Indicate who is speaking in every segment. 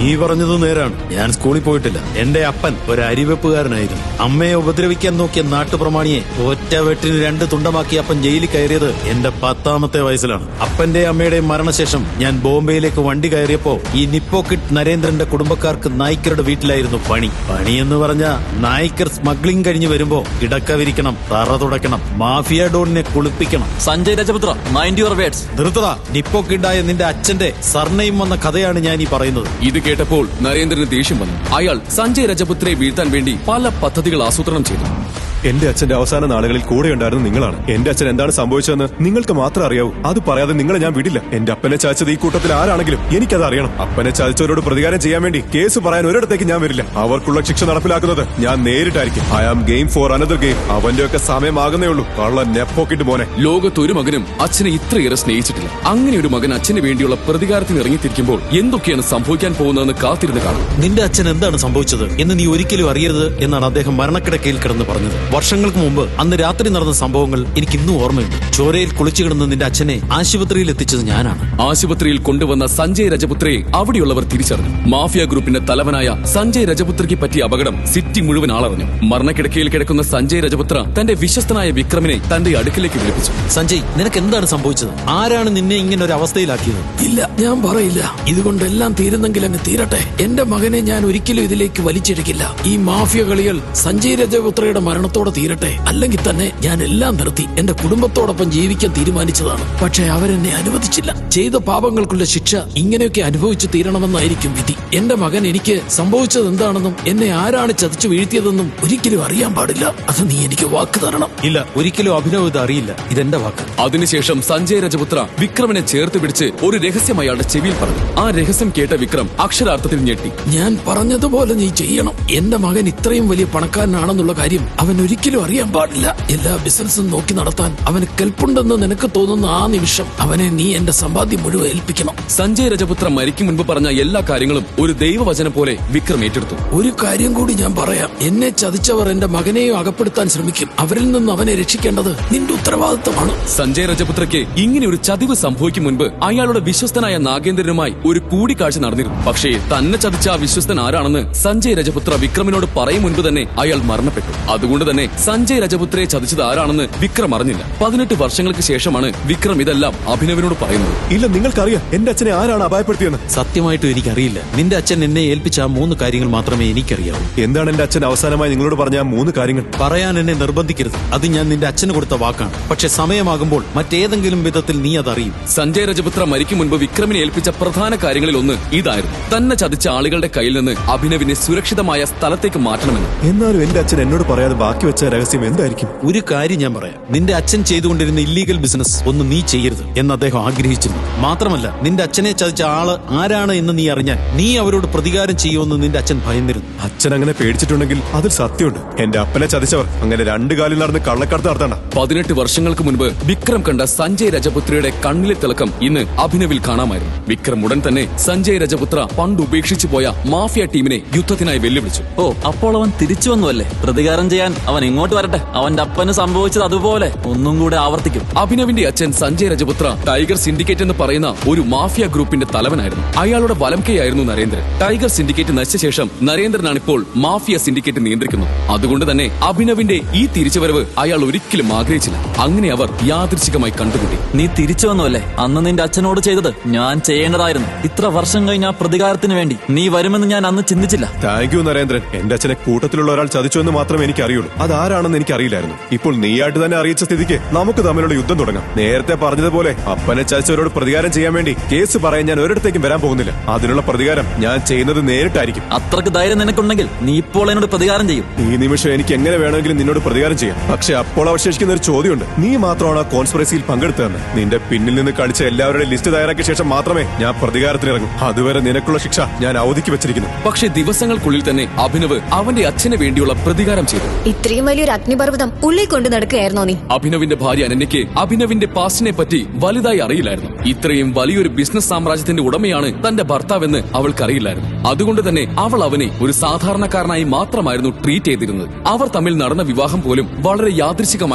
Speaker 1: നീ പറഞ്ഞത് നേരാണ്. ഞാൻ സ്കൂളിൽ പോയിട്ടില്ല. എന്റെ അപ്പൻ ഒരു അരിവെപ്പുകാരനായിരുന്നു. അമ്മയെ ഉപദ്രവിക്കാൻ നോക്കിയ നാട്ടുപ്രമാണിയെ ഒറ്റ വെട്ടിന് 2 തുണ്ടമാക്കി അപ്പൻ ജയിലിൽ കയറിയത് എന്റെ 10ാമത്തെ വയസ്സിലാണ്. അപ്പന്റെ അമ്മയുടെയും മരണശേഷം ഞാൻ ബോംബെയിലേക്ക് വണ്ടി കയറിയപ്പോ ഈ നിപ്പോക്കിട്ട് നരേന്ദ്രന്റെ കുടുംബക്കാർക്ക് നായ്ക്കരുടെ വീട്ടിലായിരുന്നു പണി. എന്ന് പറഞ്ഞ നായ്ക്കർ സ്മഗ്ലിംഗ് കഴിഞ്ഞ് വരുമ്പോ കിടക്ക വിരിക്കണം, തറ തുടയ്ക്കണം, മാഫിയ ഡോണിനെ കുളിപ്പിക്കണം.
Speaker 2: Sanjay Rajaputra, mind your words.
Speaker 1: ധൃതടാ, നിപ്പോക്കിട്ടായ നിന്റെ അച്ഛന്റെ സർനെയിം വന്ന കഥയാണ് ഞാൻ ഈ പറയുന്നത്.
Speaker 3: ഇത് കേട്ടപ്പോൾ നരേന്ദ്രന് ദേഷ്യം വന്നു. അയാൾ സഞ്ജയ് രജപുത്രയെ വീഴ്ത്താൻ വേണ്ടി പല പദ്ധതികൾ ആസൂത്രണം ചെയ്തു.
Speaker 4: എന്റെ അച്ഛന്റെ അവസാന നാളുകളിൽ കൂടെ ഉണ്ടായിരുന്ന നിങ്ങളാണ്. എന്റെ അച്ഛൻ എന്താണ് സംഭവിച്ചതെന്ന് നിങ്ങൾക്ക് മാത്രം അറിയാവൂ. അത് പറയാതെ നിങ്ങളെ ഞാൻ വിടില്ല. എന്റെ അപ്പനെ ചാച്ചത് ഈ കൂട്ടത്തിൽ ആരാണെങ്കിലും എനിക്കത് അറിയണം. അപ്പനെ ചാച്ചവരോട് പ്രതികാരം ചെയ്യാൻ വേണ്ടി കേസ് പറയാൻ ഒരിടത്തേക്ക് ഞാൻ വരില്ല. അവർക്കുള്ള ശിക്ഷ നടപ്പിലാക്കുന്നത് ഞാൻ നേരിട്ടായിരിക്കും. I am game for another game. അവന്റെയൊക്കെ സമയമാകുന്നേ ഉള്ളൂ. കള്ള നെപ്പോക്കിട്ട് മോനെ.
Speaker 3: ലോകത്തൊരു മകനും അച്ഛനെ ഇത്രയേറെ സ്നേഹിച്ചിട്ടില്ല. അങ്ങനെ ഒരു മകൻ അച്ഛന് വേണ്ടിയുള്ള പ്രതികാരത്തിന് ഇറങ്ങിത്തിരിക്കുമ്പോൾ എന്തൊക്കെയാണ് സംഭവിക്കാൻ പോകുന്നതെന്ന് കാത്തിരുന്ന് കാണും.
Speaker 1: നിന്റെ അച്ഛൻ എന്താണ് സംഭവിച്ചത് എന്ന് നീ ഒരിക്കലും അറിയരുത് എന്നാണ് അദ്ദേഹം മരണക്കിടക്കയിൽ കിടന്ന് പറഞ്ഞത്. വർഷങ്ങൾക്ക് മുമ്പ് അന്ന് രാത്രി നടന്ന സംഭവങ്ങൾ എനിക്ക് ഇന്നും ഓർമ്മയുണ്ട്. ചോരയിൽ കുളിച്ചു കിടന്ന് നിന്റെ അച്ഛനെ ആശുപത്രിയിൽ എത്തിച്ചത് ഞാനാണ്.
Speaker 3: ആശുപത്രിയിൽ കൊണ്ടുവന്ന സഞ്ജയ് രജപുത്രയെ അവിടെയുള്ളവർ തിരിച്ചറിഞ്ഞു. മാഫിയ ഗ്രൂപ്പിന്റെ തലവനായ സഞ്ജയ് രജപുത്രയ്ക്ക് പറ്റിയ അപകടം സിറ്റി മുഴുവൻ ആളറിഞ്ഞു. മരണക്കിടക്കയിൽ കിടക്കുന്ന സഞ്ജയ് രജപുത്ര തന്റെ വിശ്വസ്തനായ വിക്രമിനെ തന്റെ അടുക്കിലേക്ക് വിളിപ്പിച്ചു.
Speaker 1: സഞ്ജയ്, നിനക്ക് എന്താണ് സംഭവിച്ചത്? ആരാണ് നിന്നെ ഇങ്ങനെ ഒരു അവസ്ഥയിലാക്കിയത്?
Speaker 5: ഇല്ല, ഞാൻ പറയില്ല. ഇതുകൊണ്ടെല്ലാം തീരുന്നെങ്കിൽ അങ്ങ് തീരട്ടെ. എന്റെ മകനെ ഞാൻ ഒരിക്കലും ഇതിലേക്ക് വലിച്ചിഴക്കില്ല. ഈ മാഫിയ കളികൾ സഞ്ജയ് രജപുത്രയുടെ മരണത്തോടെ തീരട്ടെ. അല്ലെങ്കിൽ തന്നെ ഞാൻ എല്ലാം നിർത്തി എന്റെ കുടുംബത്തോടൊപ്പം ജീവിക്കാൻ തീരുമാനിച്ചതാണ്. പക്ഷെ അവരെന്നെ അനുവദിച്ചില്ല. ചെയ്ത പാപങ്ങൾക്കുള്ള ശിക്ഷ ഇങ്ങനെയൊക്കെ അനുഭവിച്ചു തീരണമെന്നായിരിക്കും വിധി. എന്റെ മകൻ എനിക്ക് സംഭവിച്ചത് എന്താണെന്നും എന്നെ ആരാണ് ചതിച്ചു വീഴ്ത്തിയതെന്നും ഒരിക്കലും അറിയാൻ പാടില്ല. അത് നീ എനിക്ക് വാക്ക് തരണം.
Speaker 1: ഇല്ല, ഒരിക്കലും അഭിനവ് ഇത് അറിയില്ല. ഇതെന്റെ വാക്ക്.
Speaker 3: അതിനുശേഷം സഞ്ജയ് രജപുത്ര വിക്രമിനെ ചേർത്ത് പിടിച്ച് ഒരു രഹസ്യം അയാളുടെ ചെവിയിൽ പറഞ്ഞു. ആ രഹസ്യം കേട്ട വിക്രം അക്ഷരാർത്ഥത്തിൽ ഞെട്ടി.
Speaker 5: ഞാൻ പറഞ്ഞതുപോലെ നീ ചെയ്യണം. എന്റെ മകൻ ഇത്രയും വലിയ പണക്കാരനാണെന്നുള്ള കാര്യം അവൻ ഒരിക്കലും അറിയാൻ പാടില്ല. എല്ലാ ബിസിനസ്സും നോക്കി നടത്താൻ അവന് കെൽപ്പുണ്ടെന്ന് നിനക്ക് തോന്നുന്ന ആ നിമിഷം അവനെ നീ എന്റെ സമ്പാദ്യം മുഴുവൻ ഏൽപ്പിക്കണം.
Speaker 3: സഞ്ജയ് രജപുത്ര മരിക്കും മുൻപ് പറഞ്ഞ എല്ലാ കാര്യങ്ങളും ഒരു ദൈവവചനം പോലെ വിക്രം ഏറ്റെടുത്തു.
Speaker 5: ഒരു കാര്യം കൂടി ഞാൻ പറയാം. എന്നെ ചതിച്ചവർ എന്റെ മകനെയും അകപ്പെടുത്താൻ ശ്രമിക്കും. അവരിൽ നിന്ന് അവനെ രക്ഷിക്കേണ്ടത് നിന്റെ ഉത്തരവാദിത്തമാണ്.
Speaker 3: സഞ്ജയ് രജപുത്രയ്ക്ക് ഇങ്ങനെ ഒരു ചതിവ് സംഭവിക്കും മുൻപ് അയാളുടെ വിശ്വസ്തനായ നാഗേന്ദ്രനുമായി ഒരു കൂടിക്കാഴ്ച നടന്നിരുന്നു. പക്ഷേ തന്നെ ചതിച്ച ആ വിശ്വസ്തൻ ആരാണെന്ന് സഞ്ജയ് രജപുത്ര വിക്രമിനോട് പറയും മുൻപ് തന്നെ അയാൾ മരണപ്പെട്ടു. അതുകൊണ്ട് തന്നെ സഞ്ജയ് രജപുത്രയെ ചതിച്ചത് ആരാണെന്ന് വിക്രം അറിഞ്ഞില്ല. 18 വർഷങ്ങൾക്ക് ശേഷമാണ് വിക്രം ഇതെല്ലാം അഭിനവിനോട് പറയുന്നത്.
Speaker 4: ഇല്ല, നിങ്ങൾക്കറിയാം എന്റെ അച്ഛനെ ആരാണ് അപായപ്പെടുത്തിയെന്ന്.
Speaker 1: സത്യമായിട്ടും എനിക്കറിയില്ല. നിന്റെ അച്ഛൻ എന്നെ ഏൽപ്പിച്ച ആ 3 കാര്യങ്ങൾ മാത്രമേ എനിക്കറിയാവൂ.
Speaker 4: എന്താണ് എന്റെ അച്ഛൻ അവസാനമായി നിങ്ങളോട് പറഞ്ഞ ആ 3 കാര്യങ്ങൾ?
Speaker 1: പറയാൻ എന്നെ നിർബന്ധിക്കരുത്. അത് ഞാൻ നിന്റെ അച്ഛന് കൊടുത്ത വാക്കാണ്. പക്ഷെ സമയമാകുമ്പോൾ മറ്റേതെങ്കിലും വിധത്തിൽ നീ അതറിയും.
Speaker 3: സഞ്ജയ് രജപുത്ര മരിക്കും മുൻപ് വിക്രമിനെ ഏൽപ്പിച്ച പ്രധാന കാര്യങ്ങളിൽ ഒന്ന് ഇതായിരുന്നു. തന്നെ ചതിച്ച ആളുകളുടെ കയ്യിൽ നിന്ന് അഭിനവിനെ സുരക്ഷിതമായ സ്ഥലത്തേക്ക് മാറ്റണമെന്ന്.
Speaker 4: എന്നാലും എന്റെ അച്ഛൻ എന്നോട് പറയാതെ ബാക്കി വെച്ച രഹസ്യം എന്തായിരിക്കും?
Speaker 1: ഒരു കാര്യം ഞാൻ പറയാം. നിന്റെ അച്ഛൻ ചെയ്തുകൊണ്ടിരുന്ന ഇല്ലീഗൽ ബിസിനസ് ഒന്നും നീ ചെയ്യരുത് എന്ന് അദ്ദേഹം ആഗ്രഹിച്ചിരുന്നു. മാത്രമല്ല, നിന്റെ അച്ഛനെ ചതിച്ച ആള് ആരാണ് എന്ന് നീ അറിഞ്ഞാൽ നീ അവരോട് പ്രതികാരം ചെയ്യുമെന്ന് നിന്റെ അച്ഛൻ ഭയന്നിരുന്നു.
Speaker 4: അച്ഛൻ അങ്ങനെ പേടിച്ചിട്ടുണ്ടെങ്കിൽ അതിൽ സത്യമുണ്ട്. എന്റെ അപ്പനെ ചതിച്ചവർ അങ്ങനെ 2 കാലിൽ നടന്ന് കള്ളക്കടത്ത് നടത്തണ്ട.
Speaker 3: 18 വർഷങ്ങൾക്ക് മുൻപ് വിക്രം കണ്ട സഞ്ജയ് രജപുത്രയുടെ കണ്ണിലെ തിളക്കം ഇന്ന് അഭിനവിൽ കാണാമായിരുന്നു. വിക്രം ഉടൻ തന്നെ സഞ്ജയ് രജപുത്ര പണ്ട് ഉപേക്ഷിച്ചു പോയ മാഫിയ ടീമിനെ യുദ്ധത്തിനായി വെല്ലുവിളിച്ചു.
Speaker 2: ഓ, അപ്പോൾ അവൻ തിരിച്ചു വന്നുവല്ലേ? പ്രതികാരം ചെയ്യാൻ അവൻ ഇങ്ങോട്ട് വരട്ടെ. അവന്റെ അപ്പന് സംഭവിച്ചത് അതുപോലെ ഒന്നും കൂടെ ആവർത്തിക്കും.
Speaker 3: അഭിനവിന്റെ അച്ഛൻ സഞ്ജയ് രജപുത്ര ടൈഗർ സിൻഡിക്കേറ്റ് എന്ന് പറയുന്ന ഒരു മാഫിയ ഗ്രൂപ്പിന്റെ തലവനായിരുന്നു. അയാളുടെ വലംകൈയായിരുന്നു നരേന്ദ്രൻ. ടൈഗർ സിൻഡിക്കേറ്റ് നശിച്ച ശേഷം നരേന്ദ്രനാണ് ഇപ്പോൾ മാഫിയ സിൻഡിക്കേറ്റ് നിയന്ത്രിക്കുന്നത്. അതുകൊണ്ട് തന്നെ അഭിനവിന്റെ ഈ തിരിച്ചുവരവ് അയാൾ ഒരിക്കലും ആഗ്രഹിച്ചില്ല. അങ്ങനെ അവർ യാദൃച്ഛികമായി കണ്ടുമുട്ടി.
Speaker 2: നീ തിരിച്ചു വന്നുവല്ലേ? അന്ന് നിന്റെ അച്ഛനോട് ചെയ്തത് ഞാൻ ചെയ്യേണ്ടതായിരുന്നു. ഇത്ര വർഷം കഴിഞ്ഞ ആ പ്രതികാരത്തിന് വേണ്ടി നീ വരുമെന്ന് ഞാൻ അന്ന് ചിന്തിച്ചില്ല.
Speaker 4: Thank you Narendran. എന്റെ അച്ഛനെ കൂട്ടത്തിലുള്ള ഒരാൾ ചതിച്ചു എന്ന് മാത്രമേ എനിക്ക് അറിയുള്ളൂ. അതാരാണെന്ന് എനിക്ക് അറിയില്ലായിരുന്നു. ഇപ്പോൾ നീയായിട്ട് തന്നെ അറിയിച്ച സ്ഥിതിക്ക് നമുക്ക് തമ്മിലുള്ള യുദ്ധം തുടങ്ങാം. നേരത്തെ പറഞ്ഞതുപോലെ അപ്പനെ ചതിച്ചവരോട് പ്രതികാരം ചെയ്യാൻ വേണ്ടി കേസ് പറയാൻ ഞാൻ ഒരിടത്തേക്കും വരാൻ പോകുന്നില്ല. അതിനുള്ള പ്രതികാരം ഞാൻ ചെയ്യുന്നത് നേരിട്ടായിരിക്കും.
Speaker 2: അത്രക്ക് ധൈര്യം നിനക്കുണ്ടെങ്കിൽ നീ ഇപ്പോൾ എന്നോട് പ്രതികാരം ചെയ്യും.
Speaker 4: ഈ നിമിഷം എനിക്ക് എങ്ങനെ വേണമെങ്കിലും നിന്നോട് പ്രതികാരം ചെയ്യാം. പക്ഷെ അപ്പോൾ അവശേഷിക്കുന്ന ഒരു ചോദ്യമുണ്ട്. നീ മാത്രമാണ് ആ കോൺസ്പിറസിയിൽ പങ്കെടുത്തതെന്ന്. നിന്റെ പിന്നിൽ നിന്ന് കളിച്ച എല്ലാവരുടെയും ലിസ്റ്റ് തയ്യാറാക്കിയ ശേഷം മാത്രമേ ഞാൻ പ്രതികാരത്തിനിറങ്ങും. അതുവരെ നിനക്കുള്ള ശിക്ഷ ഞാൻ അവധിക്ക് വെച്ചിരിക്കുന്നു.
Speaker 3: പക്ഷേ ദിവസങ്ങൾക്കുള്ളിൽ തന്നെ അഭിനവ് അവന്റെ അച്ഛന് വേണ്ടിയുള്ള പ്രതികാരം ചെയ്തു.
Speaker 6: ഇത്രയും വലിയൊരു അഗ്നിപർവ്വതം ഉള്ളിൽ കൊണ്ട് നടക്കുകയായിരുന്നോ നീ?
Speaker 3: അഭിനവിന്റെ ഭാര്യ അനന്യയ്ക്ക് അഭിനവിന്റെ പാസ്റ്റിനെ പറ്റി വലുതായി അറിയില്ലായിരുന്നു. ഇത്രയും വലിയൊരു ബിസിനസ് സാമ്രാജ്യത്തിന്റെ ഉടമയാണ് തന്റെ ഭർത്താവെന്ന് അവൾക്കറിയില്ലായിരുന്നു. അതുകൊണ്ട് തന്നെ അവൾ അവനെ ഒരു സാധാരണക്കാരനായി മാത്രമായിരുന്നു ട്രീറ്റ് ചെയ്തിരുന്നത്. അവർ തമ്മിൽ നടന്ന വിവാഹം പോലും വളരെ യാദൃച്ഛികമായിരുന്നു.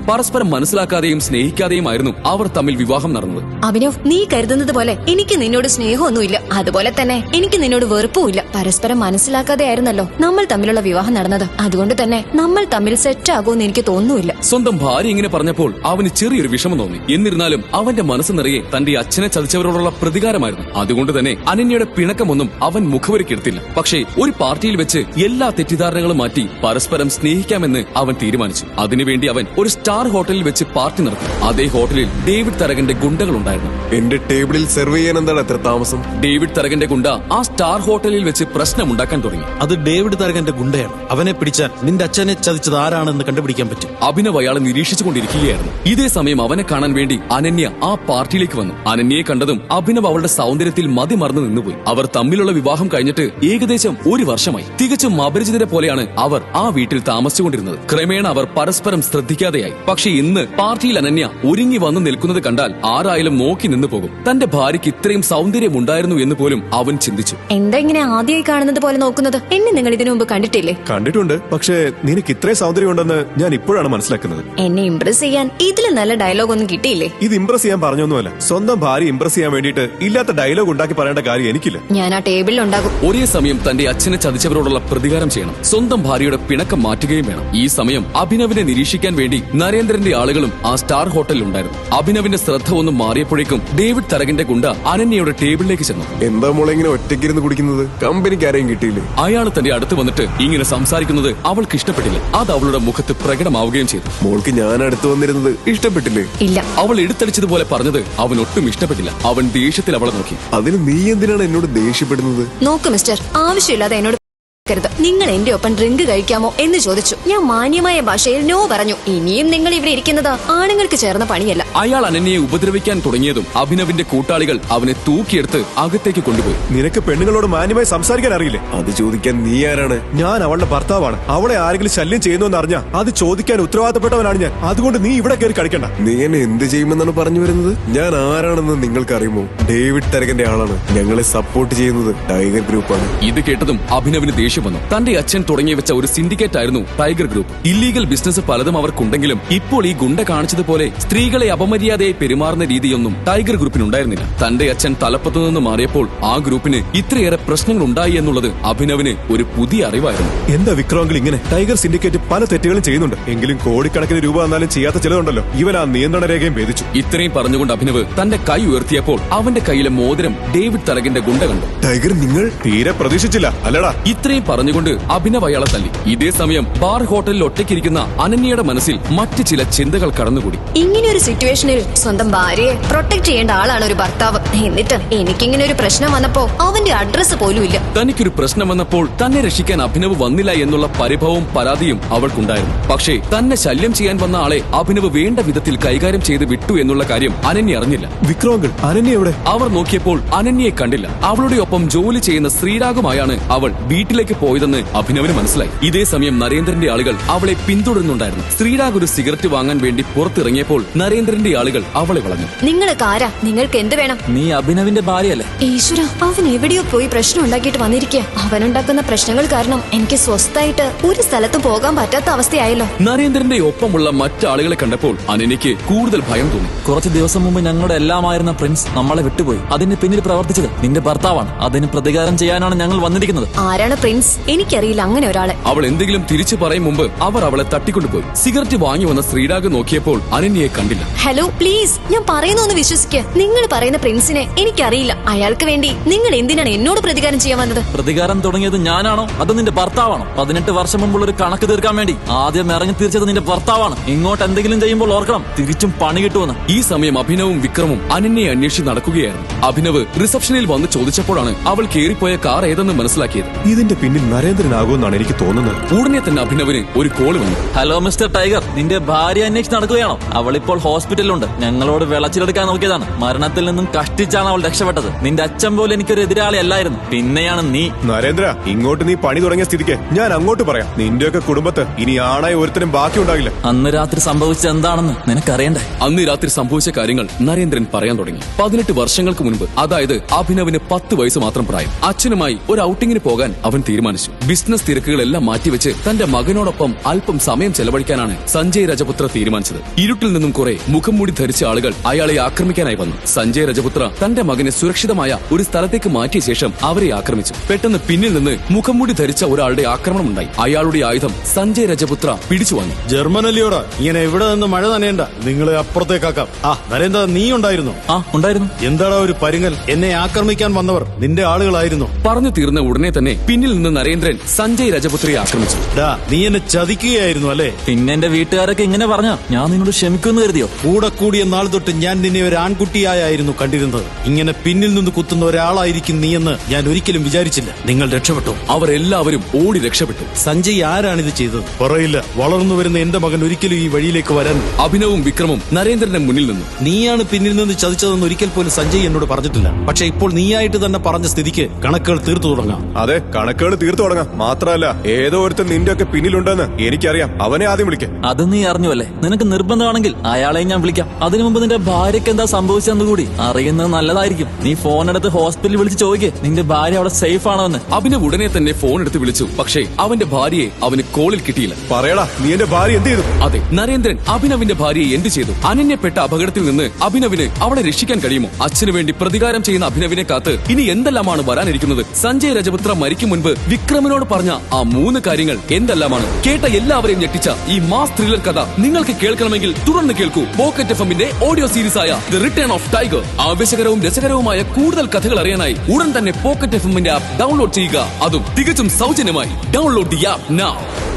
Speaker 3: പരസ്പരം മനസ്സിലാക്കാതെയും സ്നേഹിക്കാതെയുമായിരുന്നു അവർ തമ്മിൽ വിവാഹം നടന്നത്.
Speaker 6: അഭിനവ്, നീ കരുതുന്നത് പോലെ എനിക്ക് നിന്നോട് സ്നേഹമൊന്നുമില്ല. അതുപോലെ തന്നെ എനിക്ക് നിന്നോട് വെറുപ്പുമില്ല. പരസ്പരം മനസ്സിലാക്കാതെ ആയിരുന്നല്ലോ നമ്മൾ തമ്മിലുള്ള വിവാഹം നടന്നത്. അതുകൊണ്ട് തന്നെ നമ്മൾ തമ്മിൽ സെറ്റ് ആകുമെന്ന് എനിക്ക് തോന്നുന്നില്ല.
Speaker 3: സ്വന്തം ഭാര്യ ഇങ്ങനെ പറഞ്ഞപ്പോൾ അവന് ചെറിയൊരു വിഷമം തോന്നി. എന്നിരുന്നാലും അവന്റെ മനസ്സ് നിറയെ തന്റെ അച്ഛനെ ചതിച്ചവരോടുള്ള പ്രതികാരമായിരുന്നു. അതുകൊണ്ട് തന്നെ അനന്യയുടെ പിണക്കമൊന്നും അവൻ മുഖവരിക്കെടുത്തില്ല. പക്ഷേ ഒരു പാർട്ടിയിൽ വെച്ച് എല്ലാ തെറ്റിദ്ധാരണകളും മാറ്റി പരസ്പരം സ്നേഹിക്കാമെന്ന് അവൻ തീരുമാനിച്ചു. അതിനുവേണ്ടി അവൻ ഒരു സ്റ്റാർ ഹോട്ടലിൽ വെച്ച് പാർട്ടി നടത്തി. അതേ ഹോട്ടലിൽ ഡേവിഡ് തരകന്റെ ഗുണ്ടകളുണ്ടായിരുന്നു.
Speaker 7: എന്റെ ടേബിളിൽ സെർവ് ചെയ്യാൻ എന്താണ് എത്ര താമസം?
Speaker 3: ഡേവിഡ് തരകന്റെ ഗുണ്ട ആ സ്റ്റാർ ഹോട്ടലിൽ വെച്ച് പ്രശ്നമുണ്ടാക്കാൻ തുടങ്ങി.
Speaker 1: അത് ഡേവിഡ് തരകന്റെ ഗുണ്ടയാണ്. അവനെ പിടിച്ചാൽ നിന്റെ അച്ഛനെ ചതിച്ചത് ആരാണെന്ന് കണ്ടുപിടിക്കാൻ പറ്റും.
Speaker 3: അഭിനവ് അയാളെ നിരീക്ഷിച്ചുകൊണ്ടിരിക്കുകയായിരുന്നു. ഇതേ സമയം അവനെ കാണാൻ വേണ്ടി അനന്യ ആ പാർട്ടിയിലേക്ക് വന്നു. അനന്യയെ കണ്ടതും അഭിനവ് അവളുടെ സൗന്ദര്യത്തിൽ മതിമറന്ന് നിന്നുപോയി. അവർ തമ്മിലുള്ള വിവാഹം കഴിഞ്ഞിട്ട് ഏകദേശം ഒരു വർഷമായി. തികച്ചും അപരിചിതരെ പോലെയാണ് അവർ ആ വീട്ടിൽ താമസിച്ചുകൊണ്ടിരുന്നത്. ക്രമേണ അവർ പരസ്പരം ശ്രദ്ധിക്കാതെയായി. പക്ഷെ ഇന്ന് പാർട്ടിയിൽ അനന്യ ഒരുങ്ങി വന്നു നിൽക്കുന്നത് കണ്ടാൽ ആരായാലും നോക്കി നിന്നു പോകും. തന്റെ ഭാര്യയ്ക്ക് ഇത്രയും സൗന്ദര്യമുണ്ടായിരുന്നു എന്ന് പോലും അവൻ ചിന്തിച്ചു.
Speaker 6: എന്താ ഇങ്ങനെ ആദ്യമായി കാണുന്നത് പോലെ നോക്കുന്നത്? എന്നെ നിങ്ങൾ ഇതിനു മുമ്പ് കണ്ടിട്ടില്ലേ?
Speaker 4: കണ്ടിട്ടുണ്ട്, പക്ഷേ നിനക്ക് ഇത്രയും സൗന്ദര്യം ഉണ്ടെന്ന് ഞാൻ ഇപ്പോഴാണ് മനസ്സിലാക്കുന്നത്.
Speaker 6: എന്നെ ഇംപ്രസ് ചെയ്യാൻ ഇതിൽ നല്ല ഡയലോഗ് ഒന്നും കിട്ടിയില്ലേ?
Speaker 4: ഇത് ഇംപ്രസ് ചെയ്യാൻ പറഞ്ഞൊന്നുമല്ല. സ്വന്തം ഭാര്യ ഇംപ്രസ് ചെയ്യാൻ വേണ്ടിയിട്ട് ഇല്ലാത്ത ഡയലോഗ് ഉണ്ടാക്കി പറയേണ്ട കാര്യം എനിക്കില്ല.
Speaker 6: ഞാൻ ആ ടേബിളിൽ ഉണ്ടാകും.
Speaker 3: ഒരേ സമയം തന്റെ അച്ഛനെ ചതിച്ചവരോടുള്ള പ്രതികാരം ചെയ്യണം. സ്വന്തം ഭാര്യയുടെ പിണക്കം മാറ്റുകയും വേണം. ഈ സമയം അഭിനവിനെ നിരീക്ഷിക്കാൻ വേണ്ടി നരേന്ദ്രന്റെ ആളുകളും ആ സ്റ്റാർ ഹോട്ടലിൽ ഉണ്ടായിരുന്നു. അഭിനവിന്റെ ശ്രദ്ധ ഒന്ന് മാറിയപ്പോഴേക്കും ഡേവിഡ് തരകന്റെ ഗുണ്ട അനന്യയുടെ ടേബിളിലേക്ക് ചെന്നു.
Speaker 7: എന്താ മോളെ ഇങ്ങനെ ഒറ്റയ്ക്കിരുന്ന് കുടിക്കുന്നത്? കമ്പനിക്ക് ആരെയും കിട്ടിയില്ലേ?
Speaker 3: അയാൾ തന്റെ അടുത്ത് വന്നിട്ട് ഇങ്ങനെ സംസാരിക്കുന്നത് അവൾക്ക് ഇഷ്ടപ്പെട്ടില്ല. അത് അവളുടെ മുഖത്ത് പ്രകടമാവുകയും ചെയ്തു.
Speaker 7: മോൾക്ക് ഞാൻ അടുത്ത് വന്നിരുന്നത് ഇഷ്ടപ്പെട്ടില്ലേ?
Speaker 6: ഇല്ല.
Speaker 3: അവൾ എടുത്തടിച്ചതുപോലെ പറഞ്ഞത് അവൻ ഒട്ടും ഇഷ്ടപ്പെട്ടില്ല. അവൻ ദേഷ്യത്തിൽ അവളെ നോക്കി.
Speaker 7: അതിന് നീ എന്തിനാണ് എന്നോട് ദേഷ്യപ്പെടുന്നത്?
Speaker 6: നോക്ക് മിസ്റ്റർ, ആവശ്യമില്ലാതെ എന്നോട് രുത്. നിങ്ങൾ എന്റെ ഒപ്പം ഡ്രിങ്ക് കഴിക്കാമോ എന്ന് ചോദിച്ചു. ഞാൻ മാന്യമായ ഭാഷയിൽ നോ പറഞ്ഞു. ഇനിയും നിങ്ങൾ ഇവിടെ ഇരിക്കുന്നത് ആണുങ്ങൾക്ക് ചേർന്ന പണിയല്ല.
Speaker 3: അയാൾ അനന്യയെ ഉപദ്രവിക്കാൻ തുടങ്ങിയതും അഭിനവിന്റെ കൂട്ടാളികൾ അവനെ തൂക്കിയെടുത്ത് അകത്തേക്ക് കൊണ്ടുപോയി.
Speaker 4: നിനക്ക് പെണ്ണുങ്ങളോട് മാന്യമായി സംസാരിക്കാൻ അറിയില്ലേ?
Speaker 7: അത് ചോദിക്കാൻ നീ ആരാണ്?
Speaker 4: ഞാൻ അവളുടെ ഭർത്താവാണ്. അവളെ ആരെങ്കിലും ശല്യം ചെയ്യുന്നു അറിഞ്ഞാ അത് ചോദിക്കാൻ ഉത്തരവാദിത്തപ്പെട്ടവനാണ് ഞാൻ. അതുകൊണ്ട് നീ ഇവിടെ കയറി കളിക്കണ്ട.
Speaker 7: നീ എന്നെ എന്ത് ചെയ്യുമെന്നാണ് പറഞ്ഞു വരുന്നത്? ഞാൻ ആരാണെന്ന് നിങ്ങൾക്കറിയുമോ? ഡേവിഡ് തരകന്റെ ആളാണ്. ഞങ്ങളെ സപ്പോർട്ട് ചെയ്യുന്നത് ടൈഗർ ഗ്രൂപ്പാണ്.
Speaker 3: ഇത് കേട്ടതും അഭിനവിന് ദേഷ്യം വന്നു. തന്റെ അച്ഛൻ തുടങ്ങി വെച്ച ഒരു സിൻഡിക്കേറ്റ് ആയിരുന്നു ടൈഗർ ഗ്രൂപ്പ്. ഇല്ലീഗൽ ബിസിനസ് പലതും അവർക്കുണ്ടെങ്കിലും ഇപ്പോൾ ഈ ഗുണ്ട കാണിച്ചതുപോലെ സ്ത്രീകളെ അപമര്യാദയായി പെരുമാറുന്ന രീതിയൊന്നും ടൈഗർ ഗ്രൂപ്പിനുണ്ടായിരുന്നില്ല. തന്റെ അച്ഛൻ തലപ്പത്തു നിന്ന് മാറിയപ്പോൾ ആ ഗ്രൂപ്പിന് ഇത്രയേറെ പ്രശ്നങ്ങൾ ഉണ്ടായി എന്നുള്ളത് അഭിനവിന് ഒരു പുതിയ അറിവായിരുന്നു.
Speaker 4: എന്താ വിക്രമെങ്കിൽ ഇങ്ങനെ? ടൈഗർ സിൻഡിക്കേറ്റ് പല തെറ്റുകളും ചെയ്യുന്നുണ്ട്. എങ്കിലും കോടിക്കണക്കിന് രൂപ വന്നാലും ചെയ്യാത്ത ചിലതുണ്ടല്ലോ. ഇവൻ ആ നിയന്ത്രണ രേഖയും ഭേദിച്ചു.
Speaker 3: ഇത്രയും പറഞ്ഞുകൊണ്ട് അഭിനവ് തന്റെ കൈ ഉയർത്തിയപ്പോൾ അവന്റെ കയ്യിലെ മോതിരം ഡേവിഡ് തരകന്റെ ഗുണ്ട കണ്ടു.
Speaker 7: ടൈഗർ, നിങ്ങൾ
Speaker 4: തീരെ പ്രതീക്ഷിച്ചില്ല അല്ലടാ?
Speaker 3: ഇത്രയും പറഞ്ഞുകൊണ്ട് അഭിനവ് അയാളെ തല്ലി. ഇതേ സമയം ബാർ ഹോട്ടലിൽ ഒറ്റയ്ക്കിരിക്കുന്ന അനന്യയുടെ മനസ്സിൽ മറ്റു ചില ചിന്തകൾ കടന്നുകൂടി.
Speaker 6: ഇങ്ങനെയൊരു സിറ്റുവേഷനിൽ സ്വന്തം ഭാര്യയെ പ്രൊട്ടക്ട് ചെയ്യേണ്ട ആളാണ് ഒരു ഭർത്താവ്. എന്നിട്ട് എനിക്കിങ്ങനെ ഒരു പ്രശ്നം വന്നപ്പോ അവന്റെ അഡ്രസ് പോലും ഇല്ല.
Speaker 3: തനിക്കൊരു പ്രശ്നം വന്നപ്പോൾ തന്നെ രക്ഷിക്കാൻ അഭിനവ് വന്നില്ല എന്നുള്ള പരിഭവവും പരാതിയും അവൾക്കുണ്ടായിരുന്നു. പക്ഷേ തന്നെ ശല്യം ചെയ്യാൻ വന്ന ആളെ അഭിനവ് വേണ്ട വിധത്തിൽ കൈകാര്യം ചെയ്ത് വിട്ടു എന്നുള്ള കാര്യം അനന്യ അറിഞ്ഞില്ല.
Speaker 4: വിക്രമെങ്കിൽ അനന്യ എവിടെ?
Speaker 3: അവർ നോക്കിയപ്പോൾ അനന്യയെ കണ്ടില്ല. അവളുടെ ഒപ്പം ജോലി ചെയ്യുന്ന ശ്രീരാഗുമായാണ് അവൾ വീട്ടിലേക്ക് പോയതെന്ന് അഭിനവിന് മനസ്സിലായി. ഇതേ സമയം നരേന്ദ്രന്റെ ആളുകൾ അവളെ പിന്തുടരുന്നുണ്ടായിരുന്നു. ശ്രീരാഗ് ഒരു സിഗരറ്റ് വാങ്ങാൻ വേണ്ടി പുറത്തിറങ്ങിയപ്പോൾ നരേന്ദ്രന്റെ ആളുകൾ അവളെ വളഞ്ഞു.
Speaker 6: നിങ്ങൾക്ക് ആരാ? നിങ്ങൾക്ക് എന്ത് വേണം?
Speaker 2: നീ അഭിനവിന്റെ ഭാര്യയല്ലേ?
Speaker 6: ഈശ്വര, അവൻ എവിടെയോ പോയി പ്രശ്നം ഉണ്ടാക്കിയിട്ട് വന്നിരിക്കുക. അവനുണ്ടാക്കുന്ന പ്രശ്നങ്ങൾ കാരണം എനിക്ക് സ്വസ്ഥായിട്ട് ഒരു സ്ഥലത്തും പോകാൻ പറ്റാത്ത അവസ്ഥയായല്ലോ.
Speaker 3: നരേന്ദ്രന്റെ ഒപ്പമുള്ള മറ്റാളുകളെ കണ്ടപ്പോൾ അനന്യയ്ക്ക് കൂടുതൽ ഭയം തോന്നി.
Speaker 2: കുറച്ച് ദിവസം മുമ്പ് ഞങ്ങളുടെ എല്ലാമായിരുന്ന പ്രിൻസ് നമ്മളെ വിട്ടുപോയി. അതിന് പിന്നിൽ പ്രവർത്തിച്ചത് നിന്റെ ഭർത്താവാണ്. അതിന് പ്രതികാരം ചെയ്യാനാണ് ഞങ്ങൾ വന്നിരിക്കുന്നത്.
Speaker 6: ആരാണ് പ്രിൻസ്? എനിക്കറിയില്ല അങ്ങനെ ഒരാളെ.
Speaker 3: അവൾ എന്തെങ്കിലും തിരിച്ചു പറയും മുമ്പ് അവർ അവളെ തട്ടിക്കൊണ്ടുപോയി. സിഗരറ്റ് വാങ്ങി വന്ന ശ്രീരാഗ് നോക്കിയപ്പോൾ അനന്യയെ കണ്ടില്ല.
Speaker 6: ഹലോ, പ്ലീസ്, ഞാൻ പറയുന്നൊന്ന് വിശ്വസിക്കുക. നിങ്ങൾ പറയുന്ന പ്രിൻസിനെ എനിക്കറിയില്ല. അയാൾക്ക് വേണ്ടി നിങ്ങൾ എന്തിനാണ് എന്നോട് പ്രതികാരം ചെയ്യാൻ വന്നത്?
Speaker 2: പ്രതികാരം തുടങ്ങിയത് ഞാനാണോ അത് നിന്റെ ഭർത്താവാണോ? 18 വർഷം മുമ്പുള്ള ഒരു കണക്ക് തീർക്കാൻ വേണ്ടി ആദ്യം ഇറങ്ങി തീർച്ചത് നിന്റെ ഭർത്താവാണ്. ഇങ്ങോട്ട് എന്തെങ്കിലും ചെയ്യുമ്പോൾ ഓർക്കണം, തിരിച്ചും പണി കിട്ടുമെന്ന്.
Speaker 3: ഈ സമയം അഭിനവും വിക്രമും അനന്യയെ അന്വേഷിച്ച് നടക്കുകയായിരുന്നു. അഭിനവ് റിസപ്ഷനിൽ വന്ന് ചോദിച്ചപ്പോഴാണ് അവൾ കേറിപ്പോയ കാർ ഏതെന്ന് മനസ്സിലാക്കിയത്.
Speaker 4: ഇതിന്റെ പിന്നിൽ നരേന്ദ്രനാകുമെന്നാണ് എനിക്ക് തോന്നുന്നത്.
Speaker 3: ഉടനെ തന്നെ അഭിനവിന് ഒരു കോൾ വന്നു.
Speaker 2: ഹലോ മിസ്റ്റർ ടൈഗർ, നിന്റെ ഭാര്യ അന്വേഷിച്ച് നടക്കുകയാണോ? അവളിപ്പോൾ ഹോസ്പിറ്റലിലുണ്ട്. ഞങ്ങളോട് വിളച്ചിലെടുക്കാൻ നോക്കിയതാണ്. മരണത്തിൽ നിന്നും കഷ്ടിച്ചാണ് അവൾ രക്ഷപ്പെട്ടത്. നിന്റെ അച്ഛൻ പോലെ എനിക്കൊരു എതിരാളി അല്ലായിരുന്നു. പിന്നെയാണ് നീ.
Speaker 4: നരേന്ദ്ര, ഇങ്ങോട്ട് നീ പണി തുടങ്ങിയ സ്ഥിതിക്ക് ഞാൻ അങ്ങോട്ട് പറയാം. നിന്റെയൊക്കെ കുടുംബത്ത് ഇനി ആണായി ഒരുത്തരും ബാക്കിയുണ്ടാകില്ല.
Speaker 2: അന്ന് രാത്രി സംഭവിച്ചത് എന്താണെന്ന് നിനക്കറിയണ്ടേ?
Speaker 3: അന്ന് രാത്രി സംഭവിച്ച കാര്യങ്ങൾ നരേന്ദ്രൻ പറയാൻ തുടങ്ങി. 18 വർഷങ്ങൾക്ക് മുൻപ്, അതായത് അഭിനവിന് 10 വയസ്സ് മാത്രം പ്രായം, അച്ഛനുമായി ഒരു ഔട്ടിങ്ങിന് പോകാൻ അവൻ തീരുമാനിച്ചു. തീരുമാനിച്ചു. ബിസിനസ് തിരക്കുകളെല്ലാം മാറ്റിവെച്ച് തന്റെ മകനോടൊപ്പം അല്പം സമയം ചെലവഴിക്കാനാണ് സഞ്ജയ് രജപുത്ര തീരുമാനിച്ചത്. ഇരുട്ടിൽ നിന്നും കുറെ മുഖം മൂടി ധരിച്ച ആളുകൾ അയാളെ ആക്രമിക്കാനായി വന്നു. സഞ്ജയ് രജപുത്ര തന്റെ മകനെ സുരക്ഷിതമായ ഒരു സ്ഥലത്തേക്ക് മാറ്റിയ ശേഷം അവരെ ആക്രമിച്ചു. പെട്ടെന്ന് പിന്നിൽ നിന്ന് മുഖം മൂടി ധരിച്ച ഒരാളുടെ ആക്രമണമുണ്ടായി. അയാളുടെ ആയുധം സഞ്ജയ് രജപുത്ര പിടിച്ചു വാങ്ങി.
Speaker 1: ജർമ്മനല്ലിയോടാ ഇങ്ങനെ ഇവിടെ നിന്ന് മഴ നനയണ്ട, നിങ്ങളെ അപ്പുറത്തേക്കാക്കാം. നരേന്ദ്ര, നീ ഉണ്ടായിരുന്നു?
Speaker 2: ഉണ്ടായിരുന്നു.
Speaker 1: എന്താടാ ഒരു പരുങ്ങൽ? എന്നെ ആക്രമിക്കാൻ വന്നവർ നിന്റെ ആളുകളായിരുന്നു.
Speaker 3: പറഞ്ഞു തീർന്ന ഉടനെ തന്നെ പിന്നിൽ നിന്ന് നരേന്ദ്രൻ സഞ്ജയ് രജപുത്രയെ ആക്രമിച്ചു.
Speaker 1: നീ എന്നെ ചതിക്കുകയായിരുന്നു അല്ലേ?
Speaker 2: പിന്നെ എന്റെ വീട്ടുകാരൊക്കെ ഇങ്ങനെ പറഞ്ഞ ഞാൻ നിന്നോട് ക്ഷമിക്കുമെന്ന് കരുതിയോ?
Speaker 1: കൂടെ കൂടിയ നാൾ തൊട്ട് ഞാൻ നിന്നെ ഒരു ആൺകുട്ടിയായിരുന്നു കണ്ടിരുന്നത്. ഇങ്ങനെ പിന്നിൽ നിന്ന് കുത്തുന്ന ഒരാളായിരിക്കും നീയെന്ന് ഞാൻ ഒരിക്കലും വിചാരിച്ചില്ല. നിങ്ങൾ രക്ഷപ്പെട്ടു.
Speaker 3: അവരെല്ലാവരും ഓടി രക്ഷപ്പെട്ടു.
Speaker 1: സഞ്ജയ് ആരാണിത് ചെയ്തത്? പറയില്ല. വളർന്നു വരുന്ന എന്റെ മകൻ ഒരിക്കലും ഈ വഴിയിലേക്ക് വരാൻ.
Speaker 3: അഭിനവും വിക്രമും നരേന്ദ്രന്റെ മുന്നിൽ നിന്നു.
Speaker 1: നീയാണ് പിന്നിൽ നിന്ന് ചതിച്ചതെന്ന് ഒരിക്കൽ പോലും സഞ്ജയ് എന്നോട് പറഞ്ഞിട്ടില്ല. പക്ഷെ ഇപ്പോൾ നീയായിട്ട് തന്നെ പറഞ്ഞ സ്ഥിതിക്ക് കണക്കുകൾ തീർത്തു തുടങ്ങാം.
Speaker 4: അതെ, കണക്കുകൾ തീർത്തു തുടങ്ങാം. മാത്രമല്ല, ഏതോ ഒരുത്തൻ നിന്റെ ഒക്കെ പിന്നിലുണ്ടെന്ന് എനിക്കറിയാം. അവനെ ആദ്യം വിളിക്കാം.
Speaker 2: അത് നീ അറിഞ്ഞുവല്ലേ? നിനക്ക് നിർബന്ധമാണെങ്കിൽ അയാളെ ഞാൻ വിളിക്കാം. അതിനു മുമ്പ് നിന്റെ ഭാര്യയ്ക്ക് എന്താ സംഭവിച്ചെന്ന് കൂടി അറിയുന്നത് നല്ലതായിരിക്കും. നീ ഫോൺ എടുത്ത് ഹോസ്പിറ്റലിൽ വിളിച്ച് ചോദിക്കേ നിന്റെ ഭാര്യ അവിടെ സേഫ് ആണോ എന്ന്.
Speaker 3: അഭിനവ് ഉടനെ തന്നെ ഫോൺ എടുത്ത് വിളിച്ചു. പക്ഷേ അവന്റെ ഭാര്യയെ അവന് കോളിൽ കിട്ടിയില്ല.
Speaker 4: പറയടാ, നീ എന്റെ ഭാര്യ എന്ത് ചെയ്തു?
Speaker 3: അതെ, നരേന്ദ്രൻ അഭിനവിന്റെ ഭാര്യയെ എന്ത് ചെയ്തു? അനന്യപ്പെട്ട അപകടത്തിൽ നിന്ന് അഭിനവിന് അവളെ രക്ഷിക്കാൻ കഴിയുമോ? അച്ഛന് വേണ്ടി പ്രതികാരം ചെയ്യുന്ന അഭിനവിനെ കാത്ത് ഇനി എന്തെല്ലാമാണ് വരാനിരിക്കുന്നത്? സഞ്ജയ് രജപുത്ര മരിക്കും മുൻപ് വിക്രമിനോട് പറഞ്ഞ ആ 3 കാര്യങ്ങൾ എന്തെല്ലാമാണ്? കേട്ട എല്ലാവരെയും ഞെട്ടിച്ച ഈ മാസ് ത്രില്ലർ കഥ നിങ്ങൾക്ക് കേൾക്കണമെങ്കിൽ തുടർന്ന് കേൾക്കൂ പോക്കറ്റ് എഫ്എമ്മിന്റെ ഓഡിയോ സീരീസ് ആയ ദി റിട്ടേൺ ഓഫ് ടൈഗർ. ആവേശകരവും രസകരവുമായ കൂടുതൽ കഥകൾ അറിയാനായി ഉടൻ തന്നെ പോക്കറ്റ് എഫ്എമ്മിന്റെ ആപ്പ് ഡൗൺലോഡ് ചെയ്യുക. അതും തികച്ചും സൗജന്യമായി. Download the app now.